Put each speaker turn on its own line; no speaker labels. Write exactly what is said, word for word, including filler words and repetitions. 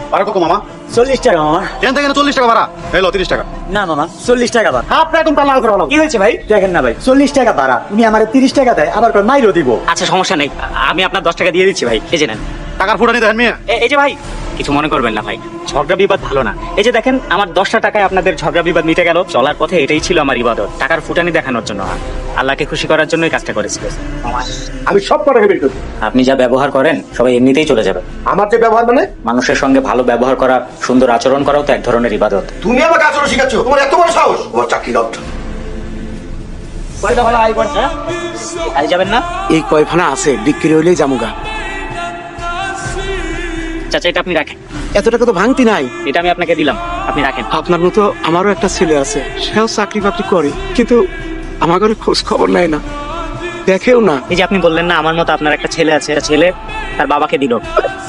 ভাড়া কত মামা?
চল্লিশ টাকা মামা।
এখান থেকে চল্লিশ টাকা ভাড়া, এলো তিরিশ টাকা।
না মামা, চল্লিশ টাকা ভাড়া।
আপনার এখন লাল করে বলো।
কি হয়েছে ভাই? দেখেন না ভাই, চল্লিশ টাকা ভাড়া, উনি আমার তিরিশ টাকা দেয়, আবার মাইরও দিব।
আচ্ছা সমস্যা নেই, আমি আপনার দশ টাকা দিয়ে দিচ্ছি ভাই, এই যে নেন।
টাকার ফুটানি দেখেন মিয়া।
এ- এই যে ভাই, কিছু মনে করবেন না ভাই, ঝগড়া বিবাদ ভালো না। এই যে দেখেন, আমার দশটা টাকায় আপনাদের ঝগড়া বিবাদ মিটে গেল। চলার পথে এটাই ছিল আমার ইবাদত, টাকার ফুটানি দেখানোর জন্য না। আল্লাহকে খুশি করার জন্যই কাজটা করেছিল।
আমি সব কটাকে বের করি।
আপনি যা ব্যবহার করেন সবাই এমনিতেই চলে যাবে।
আমার যে ব্যবহার মানে,
মানুষের সঙ্গে ভালো ব্যবহার করা, সুন্দর আচরণ করাও তো এক ধরনের ইবাদত।
তুমি আমাকে আচরণ শিখাচ্ছ? তোমার এত বড় সাহস? তোমার চাকরি লট।
আই যাবেন না?
এই কয়খানা আছে, বিক্রি হইলেই জামুগা।
চাচা এটা আপনি রাখেন,
এত টাকা তো ভাঙতি নাই।
এটা আমি আপনাকে দিলাম, আপনি রাখেন।
আপনার মতো আমারও একটা ছেলে আছে, সেও চাকরি বাকরি করে, কিন্তু আমার ঘরে খোঁজ খবর নেয় না, দেখেও না।
এই যে আপনি বললেন না আমার মতো আপনার একটা ছেলে আছে, ছেলে তার বাবাকে দিল।